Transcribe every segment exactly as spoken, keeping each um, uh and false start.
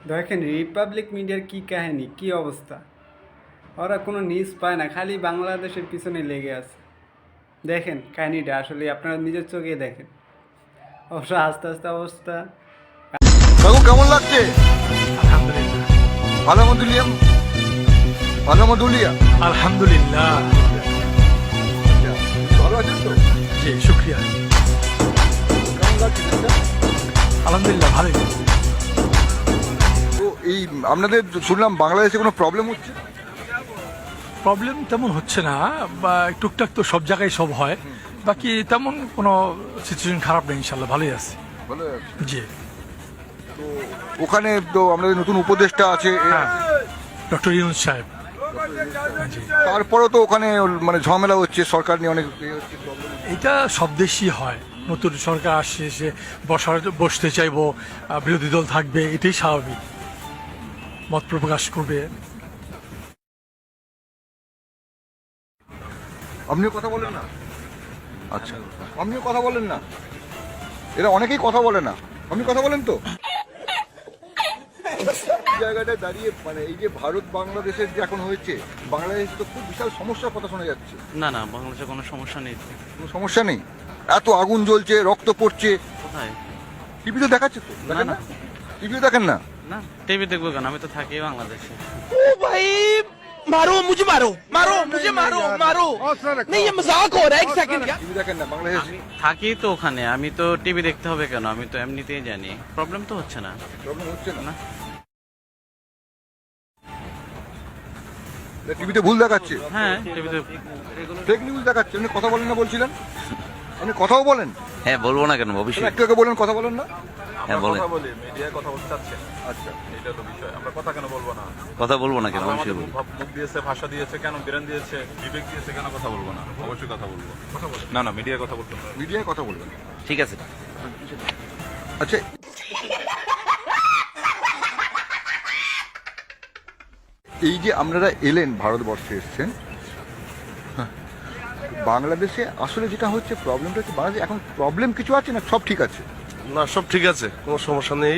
দেখেন রিপাবলিক মিডিয়ার কি কাহিনী কি অবস্থা। ওরা কোনো নিউজ পায় না, খালি বাংলাদেশের পিছনে লেগে আছে। দেখেন কাহিনীটা আসলে আপনারা নিজের চোখে দেখেন। অবশ্য আস্তে আস্তে অবস্থা। কাকু কেমন লাগছে? আলহামদুলিল্লাহ। ভালো মধুলিয়াম ভালো মধুলিয়া আলহামদুলিল্লাহ। ভালো আছেন তো? জি শুক্রিয়া। কেমন লাগছে দেশটা? আলহামদুলিল্লাহ ভালোই। তো এই আপনাদের শুনলাম বাংলাদেশে কোনো প্রবলেম হচ্ছে? প্রবলেম তেমন হচ্ছে না, বা টুকটাক তো সব জায়গায় সব হয়, বাকি তেমন কোনো সিচুয়েশন খারাপ নেই, ইনশাল্লাহ ভালোই আছে। ভালো আছে। জি তো ওখানে তো আমাদের নতুন উপদেষ্টা আছে, হ্যাঁ, ডক্টর ইউনুস সাহেব। জি, তারপরেও তো ওখানে মানে ঝামেলা হচ্ছে, সরকার নিয়ে অনেক ইয়ে হচ্ছে, problem হচ্ছে। এটা সব দেশই হয়, নতুন সরকার আসছে, সে বসার বসতে চাইবো, আহ, বিরোধী দল থাকবে, এটাই স্বাভাবিক, মত প্রকাশ করবে। আপনিও কথা বলেন না? আচ্ছা, আপনিও কথা বলেন না? এরা অনেকেই কথা বলে না, আপনি কথা বলেন তো? এই জায়গাটায় দাঁড়িয়ে মানে এই যে ভারত বাংলাদেশের যে এখন হয়েছে, বাংলাদেশে তো খুব বিশাল সমস্যার কথা শোনা যাচ্ছে। না না, বাংলাদেশে কোনো সমস্যা নেই তো। কোনো সমস্যা নেই? এত আগুন জ্বলছে, রক্ত পড়ছে, কোথায়? টিভিতে দেখাচ্ছে তো, দেখেন না, না? টিভিতে দেখেন না? না, টিভি দেখবো কেন? আমি তো থাকি বাংলাদেশে। ओ भाई मारो मुझे मारो मारो मुझे मारो मारो नहीं ये मजाक हो रहा है एक सेकंड यार টিভি দেখেন না বাংলাদেশ? আমি থাকি তো ওখানে, আমি তো টিভি দেখতে হবে কেন? আমি তো এমনিতেই জানি, প্রবলেম তো হচ্ছে না। প্রবলেম হচ্ছে না? না। টিভিতে ভুল দেখাচ্ছে, হ্যাঁ, টিভিতে। ফেক নিউজ দেখাচ্ছে। আপনি কথা বলেন না বলছিলেন? আপনি কথাও বলেন? হ্যাঁ বলবো না কেন, তাহলে অবশ্যই। একটু আগে বলেন কথা বলেন না? হ্যাঁ বলেন। কথা বলি, মিডিয়ায় কথা বলতে চাচ্ছেন, আচ্ছা, এটা তো বিষয়। আমরা কথা কেন বলবো না? কথা বলবো না কেন, আল্লাহ অবশ্যই আমাদের বলবো। মুখ মুখ দিয়েছে, ভাষা দিয়েছে, কেন ব্রেন দিয়েছে, বিবেক দিয়েছে, কেন কথা বলবো না? অবশ্যই কথা বলবো। না না, মিডিয়ায় কথা বলতে হবে। মিডিয়ায় কথা বলবেন। ঠিক আছে। আচ্ছা, এই যে আপনারা এলেন, ভারতবর্ষে এসছেন, হ্যাঁ, বাংলাদেশে আসলে যেটা হচ্ছে প্রবলেমটা হচ্ছে বাংলাদেশে এখন প্রবলেম কিছু আছে না সব ঠিক আছে? না সব ঠিক আছে, কোনো সমস্যা নেই।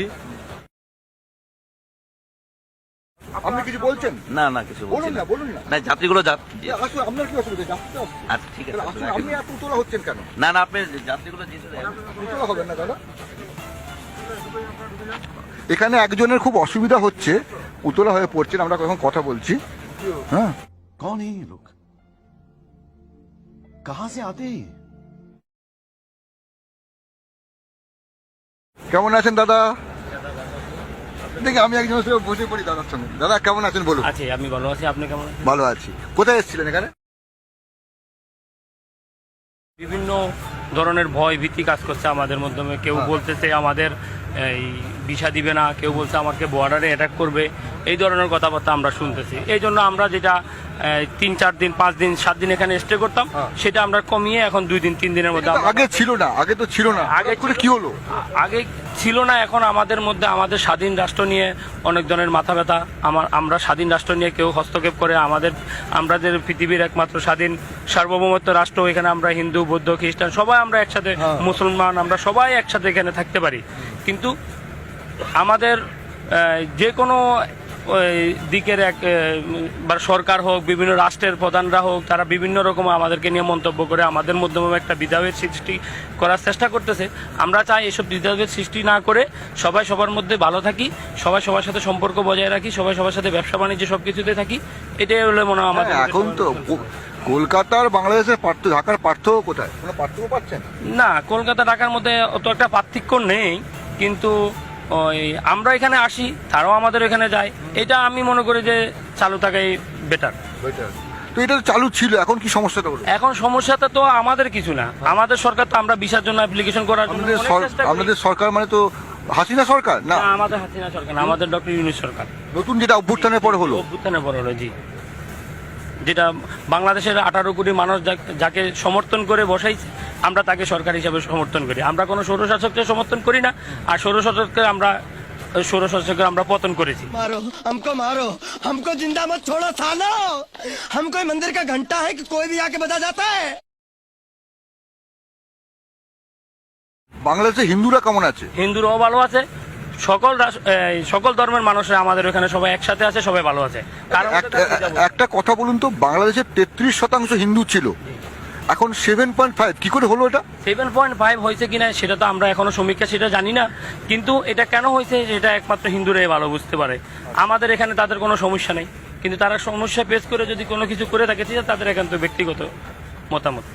আপনি কিছু বলছেন? না না, কিছু বলছি বলুন না। না, বলুন না। না, যাত্রীগুলো যাত। আসলে আপনার কি অসুবিধা? যাত্রীটা অসুবিধা। আচ্ছা ঠিক আছে, তাহলে আসলে আপনি এত উতলা হচ্ছেন কেন? না না, আপনি যাত্রীগুলো যেতে দেন। উতলা হবেন না দাদা। এখানে একজনের খুব অসুবিধা হচ্ছে, উতলা হয়ে পড়ছেন, আমরা এখন কথা বলছি। হ্যাঁ, कौन है ये लोग? कहां से आते हैं ये? কেমন আছেন দাদা? দেখি আমি একজনের সঙ্গে বসে পড়ি দাদার সঙ্গে। দাদা কেমন আছেন বলুন? আছি, আমি ভালো আছি। আপনি কেমন আছেন? ভালো আছি। কোথায় এসেছিলেন এখানে? বিভিন্ন ধরনের ভয় ভীতি কাজ করছে আমাদের মাধ্যমে। কেউ হ্যাঁ। বলতেছে আমাদের এই ভিসা দিবে না, কেউ বলছে আমাকে বর্ডারে অ্যাটাক করবে, এই ধরনের কথাবার্তা আমরা শুনতেছি। এই জন্য আমরা যেটা এই, তিন চার দিন পাঁচ দিন সাত দিন এখানে স্টে করতাম, হ্যাঁ। সেটা আমরা কমিয়ে এখন দুই দিন তিন দিনের মধ্যে এটা তো আমরা- আগে ছিল না, আগে তো ছিল না, আগে আগে করে ছিল- কি হলো? আ- আগে ছিল না, এখন আমাদের মধ্যে আমাদের স্বাধীন রাষ্ট্র নিয়ে অনেক ধরনের মাথা ব্যথা। আমার আমরা স্বাধীন রাষ্ট্র নিয়ে কেউ হস্তক্ষেপ করে আমাদের, আমরা যে পৃথিবীর একমাত্র স্বাধীন সার্বভৌমত্ব রাষ্ট্র, এখানে আমরা হিন্দু বৌদ্ধ খ্রিস্টান সবাই আমরা একসাথে, হ্যাঁ। মুসলমান আমরা সবাই একসাথে এখানে থাকতে পারি। কিন্তু আমাদের আহ, যে কোনো ওই দিকের এক আহ, বা সরকার হোক, বিভিন্ন রাষ্ট্রের প্রধানরা হোক, তারা বিভিন্ন রকম আমাদেরকে নিয়ে মন্তব্য করে আমাদের মাধ্যমে একটা বিধাভেদ সৃষ্টি করার চেষ্টা করতেছে। আমরা চাই এসব বিধাভেদ সৃষ্টি না করে সবাই সবার মধ্যে ভালো থাকি, সবাই সবার সাথে সম্পর্ক বজায় রাখি, সবাই সবার সাথে ব্যবসা বাণিজ্য সব কিছুতে থাকি। এটাই হলো মনে হয় আমাদের হ্যাঁ, মধ্যে এখন সবার তো মধ্যে। কো- কলকাতার বাংলাদেশের পার্থক্য, ঢাকার পার্থক্য কোথায়? কোনো পার্থক্য পাচ্ছেন? না, কলকাতা ঢাকার মধ্যে অত একটা পার্থক্য নেই, কিন্তু ওই আমরা এখানে আসি, তারাও আমাদের এখানে যায়। এটা আমি মনে করি যে চালু থাকাই বেটার। Better। তো এটা তো চালু ছিল, এখন কি সমস্যাটা হলো? এখন সমস্যাটা তো আমাদের কিছু না, আমাদের সরকার তো আমরা ভিসার জন্য অ্যাপ্লিকেশন করার জন্য আপনাদের অনেক সর- চেষ্টা করি। আপনাদের সরকার মানে তো হাসিনা সরকার না? না, আমাদের হাসিনা সরকার না, আমাদের ডক্টর ইউনূস সরকার। নতুন যেটা অভ্যুত্থানের পরে হলো। অভ্যুত্থানের পর হলো, জি। যেটা বাংলাদেশের আঠারো কোটি মানুষ যা- যাকে সমর্থন করে বসাইছে, আমরা তাকে সরকার হিসাবে সমর্থন করি। আমরা কোনো স্বৈরশাসককে সমর্থন করি না, আর স্বৈরশাসককে আমরা স্বৈরশাসককে আমরা পতন করেছি। मारो हमको मारो हमको जिंदा मत छोड़ो सालो हम कोई मंदिर का घंटा है कि कोई भी आके बजा जाता है। বাংলাদেশে হিন্দুরা কেমন আছে? হিন্দুরাও ভালো আছে, সকল রাস- এই, সকল ধর্মের মানুষরা আমাদের ওখানে সবাই একসাথে আছে, সবাই ভালো আছে। কারণ এক- একটা কথা বলুন তো, বাংলাদেশের তেত্রিশ শতাংশ হিন্দু ছিল, এখন সেভেন পয়েন্ট ফাইভ কি করে হলো এটা? সেভেন পয়েন্ট ফাইভ হয়েছে কিনা সেটা তো আমরা এখনো সমীক্ষা সেটা জানি না, কিন্তু এটা কেন হয়েছে সেটা একমাত্র হিন্দুরাই ভালো বুঝতে পারে। আমাদের এখানে তাদের কোনো সমস্যা নেই, কিন্তু তারা সমস্যা পেশ করে যদি কোনো কিছু করে থাকে সেটা তাদের একান্ত ব্যক্তিগত মতামত।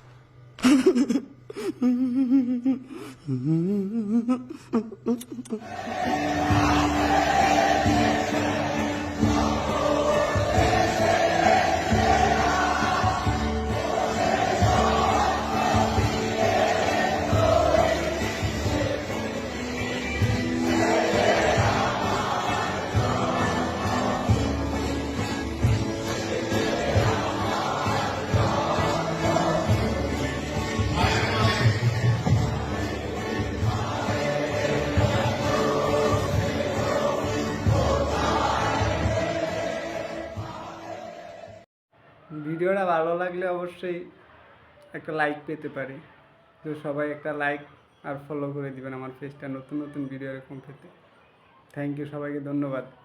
ভিডিওটা ভালো লাগলে অবশ্যই একটা লাইক পেতে পারি, তো সবাই একটা লাইক আর ফলো করে দিবেন আমার পেজটা, নতুন নতুন ভিডিও এরকম পেতে। থ্যাংক ইউ, সবাইকে ধন্যবাদ।